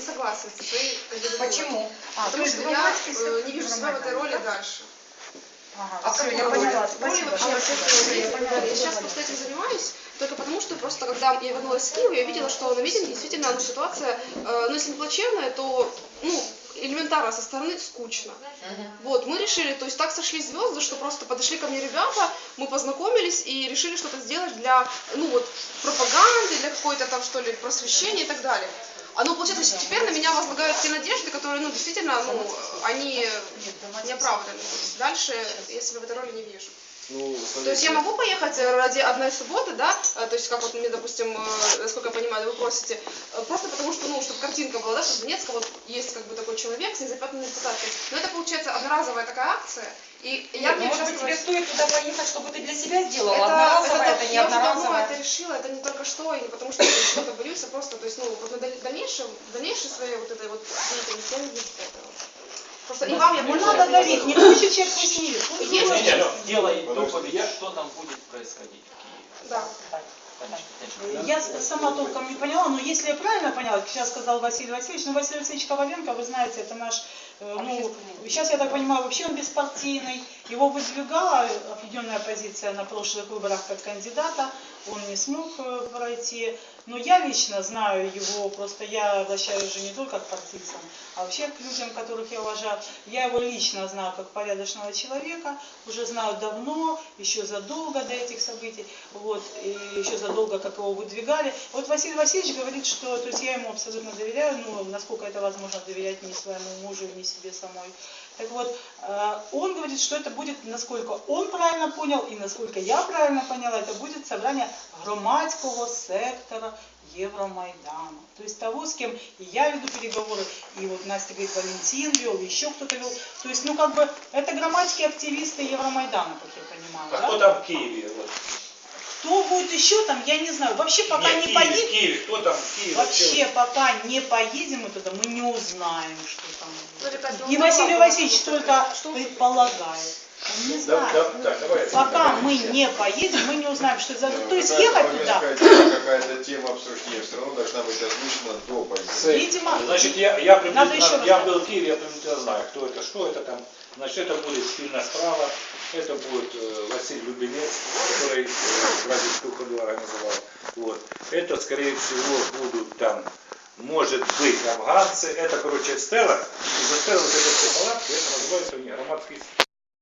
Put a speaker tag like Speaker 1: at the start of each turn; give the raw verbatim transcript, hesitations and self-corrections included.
Speaker 1: Не согласен со своей кандидатурой.
Speaker 2: Почему?
Speaker 1: А, Потому что я э, не вижу себя в этой роли дальше.
Speaker 2: Ага,
Speaker 1: а
Speaker 2: все,
Speaker 1: какой
Speaker 2: я
Speaker 1: роли?
Speaker 2: поняла.
Speaker 1: Роли
Speaker 2: Спасибо.
Speaker 1: вообще
Speaker 2: А,
Speaker 1: общественного
Speaker 2: я
Speaker 1: деятеля.
Speaker 2: поняла.
Speaker 1: Я сейчас просто этим занимаюсь, только потому что просто когда я вернулась в Киев, я видела, что на митинге действительно ну, ситуация, э, ну если не плачевная, то ну, элементарно со стороны скучно. Uh-huh. Вот, мы решили, то есть так сошлись звезды, что просто подошли ко мне ребята, мы познакомились и решили что-то сделать для, ну вот, пропаганды, для какой-то там, что ли, просвещения и так далее. А ну, получается, что теперь на меня возлагают те надежды, которые, ну, действительно, ну, они не оправданы. Дальше я себя в этой роли не вижу. Ну, то есть я могу поехать ради одной субботы, да, то есть как вот мне, допустим, насколько я понимаю, вы просите, просто потому что, ну, чтобы картинка была, да, что в Донецке вот есть как бы такой человек с незапятнанной репутацией. Но это получается одноразовая такая акция, и
Speaker 2: Нет,
Speaker 1: я...
Speaker 2: ну, может быть, тебе стоит туда поехать, чтобы ты для себя сделала,
Speaker 1: это,
Speaker 2: одноразовая,
Speaker 1: это,
Speaker 2: это не
Speaker 1: я уже
Speaker 2: одноразовая.
Speaker 1: давно это решила, это не только что, и не потому что я что-то боюсь, а просто, то есть, ну, вот на дальнейшем, дальнейшей своей вот этой вот деятельности я не вижу этого. Просто и вам я
Speaker 2: не надо давить, не хочет человек, пусть не видит.
Speaker 3: Нет, нет, дело идет, что там будет происходить в Киеве.
Speaker 1: Да.
Speaker 2: Я сама толком не поняла, но если я правильно поняла, как сейчас сказал Василий Васильевич, ну Василий Васильевич Коваленко, вы знаете, это наш, ну, сейчас я так понимаю, вообще он беспартийный, его выдвигала определенная позиция на прошлых выборах как кандидата, он не смог пройти, но я лично знаю его, просто я обращаюсь уже не только к партийцам, а вообще к людям, которых я уважаю, я его лично знаю как порядочного человека, уже знаю давно, еще задолго до этих событий, вот, и еще задолго, как его выдвигали. Вот Василий Васильевич говорит, что, то есть я ему абсолютно доверяю, ну, насколько это возможно доверять ни своему мужу, ни себе самой. Так вот, он говорит, что это будет, насколько он правильно понял, и насколько я правильно поняла, это будет собрание громадского сектора Евромайдана. То есть того, с кем и я веду переговоры, и вот Настя говорит, Валентин вел, еще кто-то вел. То есть, ну, как бы, это громадские активисты Евромайдана, как я понимаю.
Speaker 3: А
Speaker 2: да?
Speaker 3: кто там в Киеве? Вот.
Speaker 2: Кто будет еще там, я не знаю. Вообще, пока
Speaker 3: Нет,
Speaker 2: не
Speaker 3: Киеве,
Speaker 2: поедем.
Speaker 3: Киеве, кто там в Киеве?
Speaker 2: Вообще, пока не поедем мы туда, мы не узнаем, что там будет.
Speaker 1: Ну,
Speaker 2: И Василий Васильевич только предполагает. Он не знает.
Speaker 3: Да, да, так, давай,
Speaker 2: Пока мы не поедем, мы не узнаем, что это. То есть
Speaker 4: Какая-
Speaker 2: ехать
Speaker 4: вы
Speaker 2: туда.
Speaker 4: сказать, какая-то тема обсуждения все равно должна быть озвучена до поездки.
Speaker 2: Видимо,
Speaker 3: Значит, я, я,
Speaker 2: Надо еще
Speaker 3: приблизительно, я
Speaker 2: раз.
Speaker 3: был в Киеве, я приблизительно знаю, кто это, что это там. Значит, это будет спина справа, это будет э, Василий Любенец, который э, бразильскую ходу организовал. Вот. Это, скорее всего, будут там, может быть, афганцы. Это, короче, стела. И за стелой вот этой все палатки, это называется у них громадский